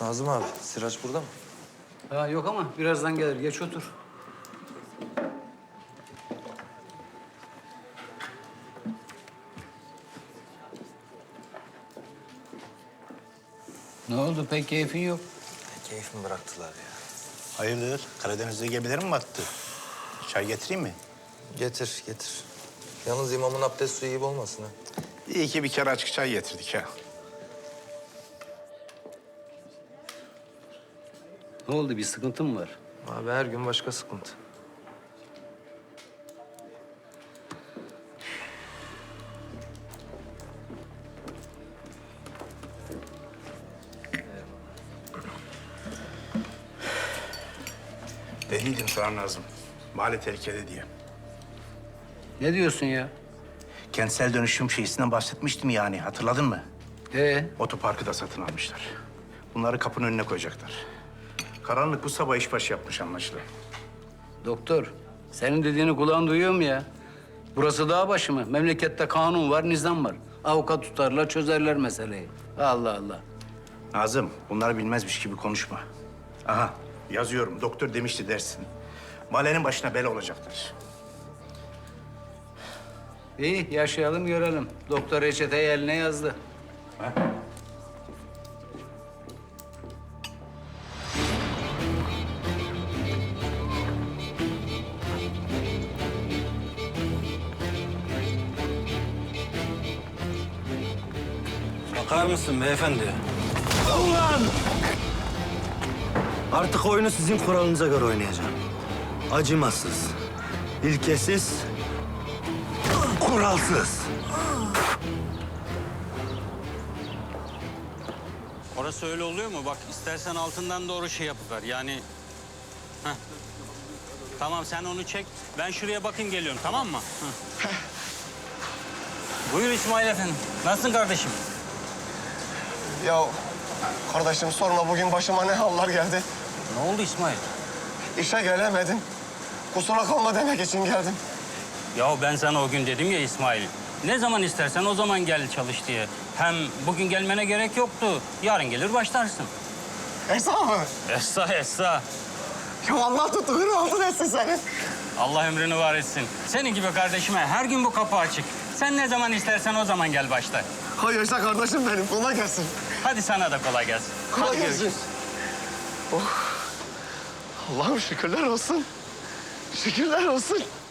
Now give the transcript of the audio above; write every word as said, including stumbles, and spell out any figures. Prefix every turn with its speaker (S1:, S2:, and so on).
S1: Nazım abi, Sirac burada mı?
S2: Ha, yok ama birazdan gelir. Geç otur. Ne oldu? Pek keyfin yok.
S1: Ne keyif mi bıraktılar ya?
S3: Hayırdır? Karadeniz'de gemilerin mi battı? Çay getireyim mi?
S1: Getir, getir. Yalnız imamın abdest suyu gibi olmasın ha.
S3: İyi ki bir kere açık çay getirdik ha.
S2: Ne oldu? Bir sıkıntın mı var?
S1: Abi her gün başka sıkıntı.
S3: Dediydim sana Nazım. Mahalle tehlikede diye.
S2: Ne diyorsun ya?
S3: Kentsel dönüşüm şeysinden bahsetmiştim yani. Hatırladın mı?
S2: Ee,
S3: Otoparkı da satın almışlar. Bunları kapının önüne koyacaklar. Karanlık bu sabah işbaşı yapmış anlaşılan.
S2: doktor, senin dediğini kulağın duyuyor mu ya? Burası dağ başı mı? Memlekette kanun var, nizam var. Avukat tutarlar, çözerler meseleyi. Allah Allah.
S3: Nazım, bunları bilmezmiş gibi konuşma. Aha, yazıyorum. Doktor demişti dersin. Mahallenin başına bela olacaklar.
S2: İyi, yaşayalım görelim. Doktor reçeteyi eline yazdı.
S3: Ha?
S4: Bakar mısın beyefendi? Ulan! Artık oyunu sizin kuralınıza göre oynayacağım. Acımasız, ilkesiz, kuralsız.
S5: Orası öyle oluyor mu? Bak istersen altından doğru şey yapıver. Yani... Heh. Tamam sen onu çek. Ben şuraya bakayım geliyorum tamam mı? Heh. Buyur İsmail Efendi. Nasılsın kardeşim?
S6: Ya kardeşim sorma bugün başıma ne haller geldi.
S5: Ne oldu İsmail?
S6: İşe gelemedim. Kusura kalma demek için geldim.
S5: Ya ben sana o gün dedim ya İsmail. Ne zaman istersen o zaman gel çalış diye. Hem bugün gelmene gerek yoktu. Yarın gelir başlarsın.
S6: Esra mı?
S5: Essa essa.
S6: Ya Allah tuttuğunu aldın etsin senin.
S5: Allah ömrünü var etsin. Senin gibi kardeşime her gün bu kapı açık. Sen ne zaman istersen o zaman gel başla.
S6: Hay yaşa kardeşim benim. Kolay gelsin.
S5: Hadi sana da kolay gelsin.
S6: Kolay
S5: Hadi
S6: gelsin.
S5: görüşürüz.
S6: Oh. Allah'ım şükürler olsun. Şükürler olsun.